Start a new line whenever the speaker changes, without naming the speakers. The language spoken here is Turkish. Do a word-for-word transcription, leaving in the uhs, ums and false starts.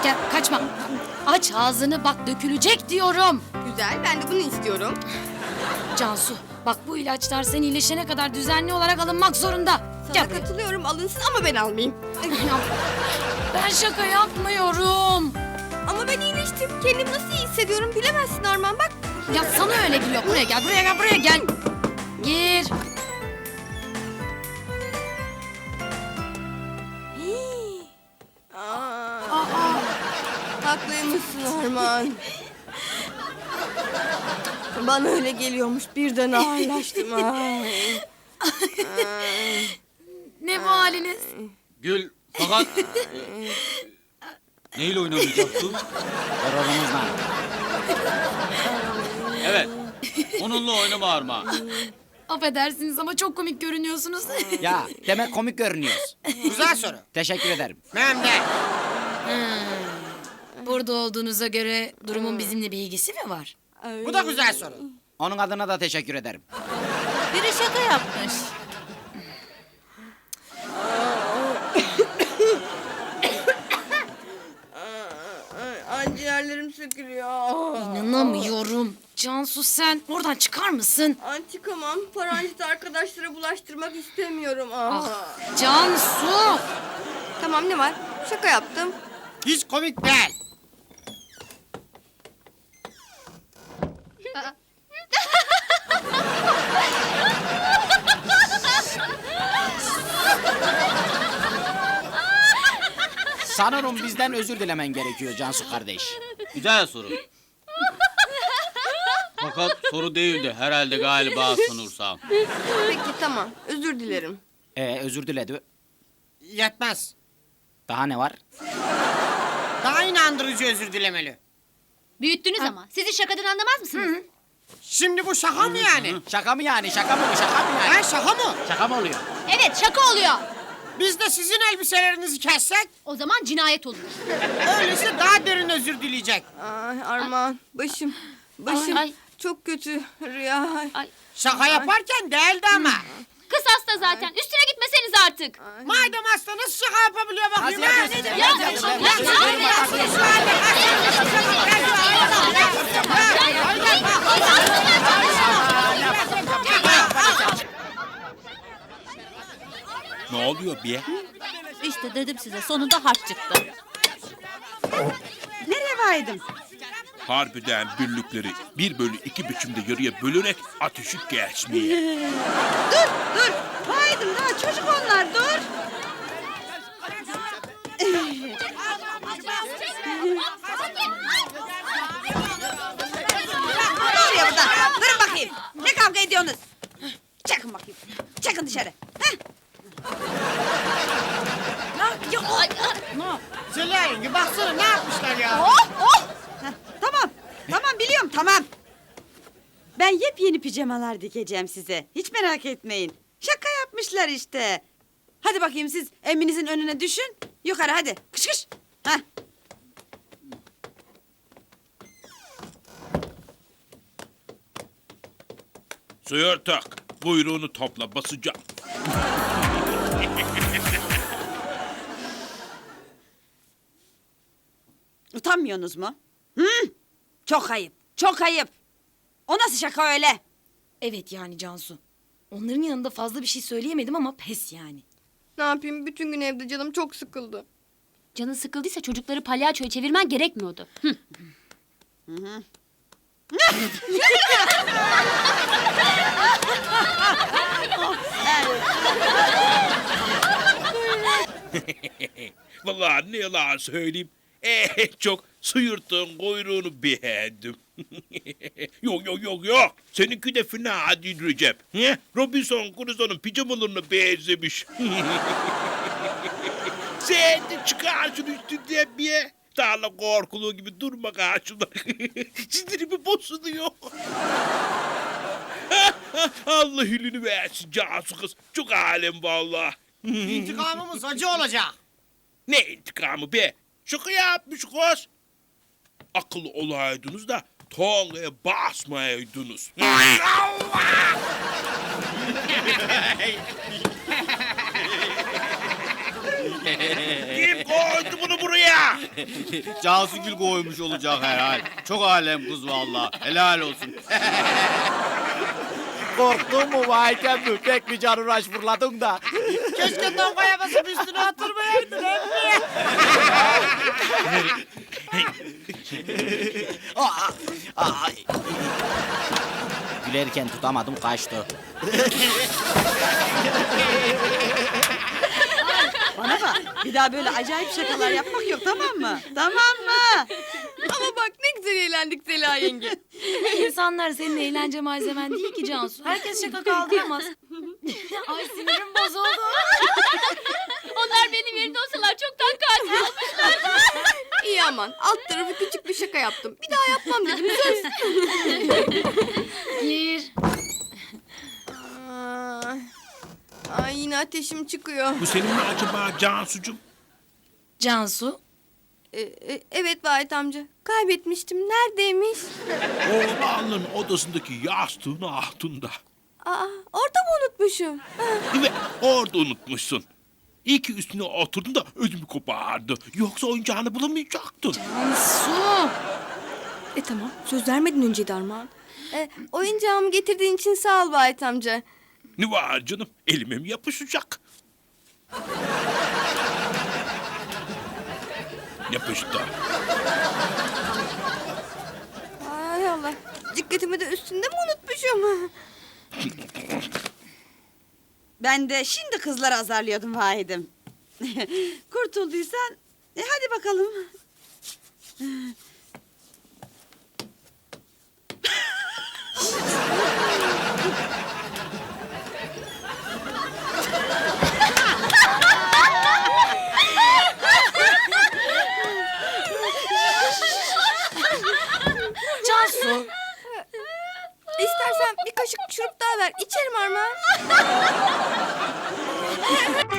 gel kaçma. Aç ağzını bak dökülecek diyorum.
Güzel, ben de bunu istiyorum.
Cansu bak bu ilaçlar sen iyileşene kadar düzenli olarak alınmak zorunda.
Sana
Gel buraya.
katılıyorum, alınsın ama ben almayayım.
Ben şaka yapmıyorum.
Ama ben iyileştim. Kendimi nasıl iyi hissediyorum bilemezsin Arman, bak.
Ya sana öyle geliyor. Buraya gel, buraya gel, buraya gel. Gir.
Hii. Aa. Haklıymışsın Arman. Bana öyle geliyormuş, birden ağırlaştım. Ay.
Ne bu haliniz?
Gül fakat... Neyle oynamayacaktın?
Horozumuzla.
Evet. Onunla oynama Arma.
Affedersiniz ama çok komik görünüyorsunuz.
Ya demek komik görünüyoruz.
Güzel soru.
Teşekkür ederim.
Memnun.
Burada olduğunuza göre durumun bizimle bir ilgisi mi var?
Bu da güzel soru.
Onun adına da teşekkür ederim.
Biri şaka yapmış.
Ay, ciğerlerim sökülüyor.
İnanamıyorum. Cansu sen oradan çıkar mısın?
Ay, çıkamam. Paranjit arkadaşlara bulaştırmak istemiyorum. Aa.
Ah, Cansu!
Tamam, ne var? Şaka yaptım.
Hiç komik değil.
Sanırım bizden özür dilemen gerekiyor Cansu kardeş.
Güzel soru. Fakat soru değildi herhalde galiba sanırsam.
Peki tamam, özür dilerim.
Ee, özür diledi.
Yetmez.
Daha ne var?
Daha inandırıcı özür dilemeli.
Büyüttünüz ama. Siz hiç şakadan anlamaz mısınız?
Şimdi bu şaka mı yani?
Şaka mı yani? Şaka mı bu? Şaka mı yani?
Ha, şaka mı?
Şaka mı oluyor?
Evet, şaka oluyor.
Biz de sizin elbiselerinizi kessek,
O zaman cinayet olur.
öyleyse daha derin özür dileyecek.
Ay Arman, başım. Başım
Ay, ay.
çok kötü Rüya. Ay.
Şaka yaparken değildi ama.
Kız hasta zaten. Üstüne gitmeseniz artık.
Madem hasta nasıl şaka yapabiliyor bakayım ha?
Nasıl yapıyorsun?
Ya, ya, ya, ya.
Ne oluyor be?
İşte dedim size sonunda harç çıktı.
Nereye vaydım?
Harbiden birlikleri bir bölü iki biçimde yarıya bölerek ateşi geçmeye.
Dur, dur. Vaydım daha çocuk onlar, dur. Ne oluyor burada? Durun bakayım. Ne kavga ediyorsunuz? Çakın bakayım. Çakın dışarı. Heh.
Zeliha yenge baksana ne yapmışlar ya?
Oh, oh. Heh, tamam, tamam biliyorum, tamam. Ben yepyeni pijamalar dikeceğim size. Hiç merak etmeyin. Şaka yapmışlar işte. Hadi bakayım siz eminizin önüne düşün. Yukarı hadi. Kış kış. Heh.
Suyur tak. Buyruğunu topla basacağım.
Utanmıyorsunuz mu? Hı? Çok ayıp, çok ayıp. O nasıl şaka öyle?
Evet yani Cansu. Onların yanında fazla bir şey söyleyemedim ama pes yani.
Ne yapayım, bütün gün evde canım çok sıkıldı.
Canın sıkıldıysa çocukları palyaçoya çevirmen gerekmiyordu. Hı.
Vallahi ne yalan söyleyeyim. En çok suyurttuğun kuyruğunu beğendim. Yok yok yok yok. Seninki de fena değil Recep. He? Robinson Crusoe'nun pijamalarına benzemiş. Sen de çıkar şunu üstünden bir. Tarla korkuluğu gibi durma karşımda. Sinirimi bozuluyor. Allah hülünü versin Cansu kız. Çok alem vallahi.
İntikamımız acı olacak.
Ne intikamı be? Şaka yapmış kız. Akıllı olaydınız da tongaya basmayaydınız. Kim koydu bunu buraya?
Cansu Gül koymuş olacak herhal. Çok alem kız vallahi. Helal olsun.
Korktun mu vay mi? Pek bir canıraş fırladın da.
Keşke Tonga'ya basıp üstüne oturmayaydın emmi.
Aa, aa. Gülerken tutamadım kaçtı.
Bana bak bir daha böyle acayip şakalar yapmak yok tamam mı? Tamam mı?
Ama bak ne güzel eğlendik Zeliha yenge.
İnsanlar senin eğlence malzemen değil ki Cansu. Herkes şaka kaldıramaz. Ay sinirim bozuldu.
Onlar benim yerimde olsalar çoktan katil olmuş.
İyi aman alt tarafı küçük bir şaka yaptım. Bir daha yapmam dedim söz.
Gir.
Ay, ay yine ateşim çıkıyor.
Bu senin mi acaba Cansucuğum?
Cansu.
Ee, e, evet Vahit amca. Kaybetmiştim. Neredeymiş?
Oğlanın odasındaki yastığın altında.
Aa, orada mı unutmuşum?
Evet, orada unutmuşsun. İyi ki üstüne oturdun da ödümü kopardı. Yoksa oyuncağını bulamayacaktın.
Su. E tamam. Söz vermedin önceydi Armağan. E, oyuncağımı getirdiğin için sağ ol Vahit amca.
Ne var canım? Elime mi yapışacak? Yapıştı.
Ay Allah. Dikkatimi de üstünde mi unutmuşum?
Ben de şimdi kızları azarlıyordum Vahid'im. Kurtulduysan e, hadi bakalım.
Cansu.
İstersen bir kaşık şurup daha ver. İçerim Armağan.